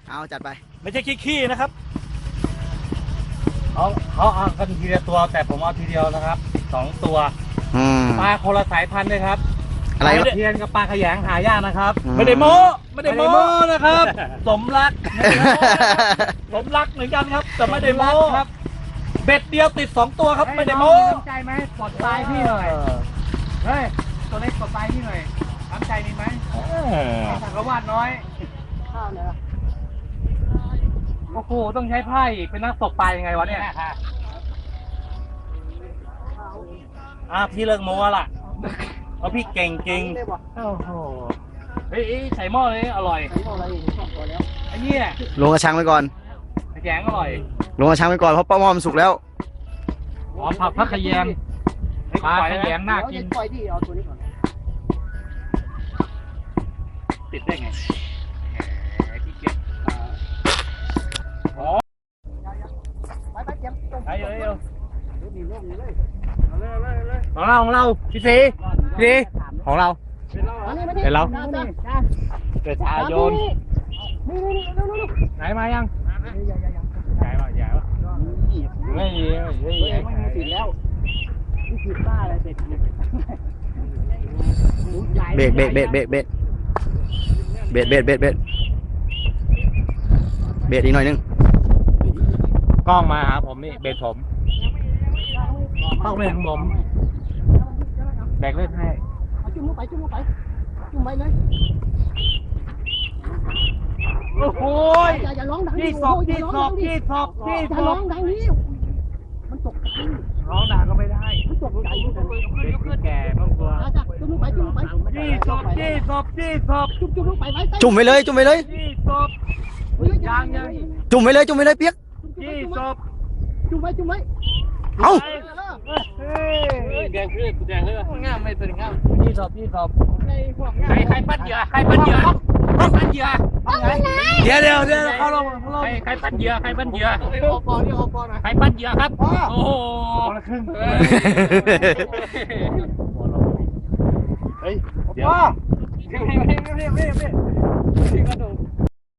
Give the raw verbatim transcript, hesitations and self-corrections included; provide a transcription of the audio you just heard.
เอาจัดไปไม่ใช่ขี้ๆนะครับเขาเขาเอากันทีละตัวแต่ผมเอาทีเดียวนะครับสองตัวปลาคนละสายพันธุ์เลยครับอะไรเทียนกับปลาขยงหายากนะครับไม่ได้โม้ไม่ได้โม้นะครับสมรักสมรักเหมือนกันครับแต่ไม่ได้โม้ครับเบ็ดเดียวติดสองตัวครับไม่ได้โม้น้ำใจไหมกดปลายพี่หน่อยเฮ้ยตัวเล็กกดปลายพี่หน่อยน้ำใจมีไหมสังกวาดน้อยข้าวเลยโอ้โหต้องใช้ไพ่เป็นนักตกปลายังไงวะเนี่ยอ่ะพี่เลิกโม้ละเพราะพี่เก่งจริงโอ้โหเฮ้ยใส่หม้อเลยอร่อยใส่หม้ออะไรสองตัวแล้วไอ้เนี่ยลงกระชังไปก่อนแกงอร่อยลงกระชังไปก่อนเพราะป้าหม้อมันสุกแล้วหอมผักพักขยงปลาขยงน่ากินปล่อยที่เอาตัวนี้ก่อนติดได้ไงพี่เก็บอ๋อไปไปเก็บไปเลยเลยของเราของเราพี่สีพี่สีของเราเป็นเราเกิดชาโยนไหนมายังใหญ่ป่ะใหญ่ป่ะไม่เยอะไม่เยอะติดแล้วนี่คือป้าอะไรเด็ดเบรกเบรกเบรกเบรกเบรกเบรกเบรกเบรกเบรกเบรกอีกหน่อยนึงกล้องมาหาผมนี่เบรกผมต้องเล่นของผมแบกเล่นให้จุ่มลงไปจุ่มลงไปจุ่มไปเลยโอ้โหอย่าร้องดังยี่สอบยี่สอบยี่สอบยี่สอบร้องดังนี้มันตกใจร้องดังก็ไม่ได้มันตกใจแก่บ้างตัวจุ่มลงไปจุ่มลงไปยี่สอบยี่สอบยี่สอบจุ่มจุ่มลงไปไว้จุ่มไปเลยจุ่มไปเลยยี่สอบยังยังจุ่มไปเลยจุ่มไปเลยเปียกยี่สอบจุ่มไว้จุ่มไว้เอ้าแดงขึ้นแดงขึ้นง่ามไม่ตื่นง่ามยี่สอบยี่สอบใครใครปั้นเหยื่อใครปั้นเหยื่อปั้นเหยื่อเดี๋ยวเดี๋ยวเดี๋ยวเขาลงใครใครปั้นเหยื่อใครปั้นเหยื่อโอปอนี่โอปอนะใครปั้นเหยื่อครับโอ้โหเฮ้ยเดี๋ยวพี่พี่พี่พี่พี่พี่กระดูก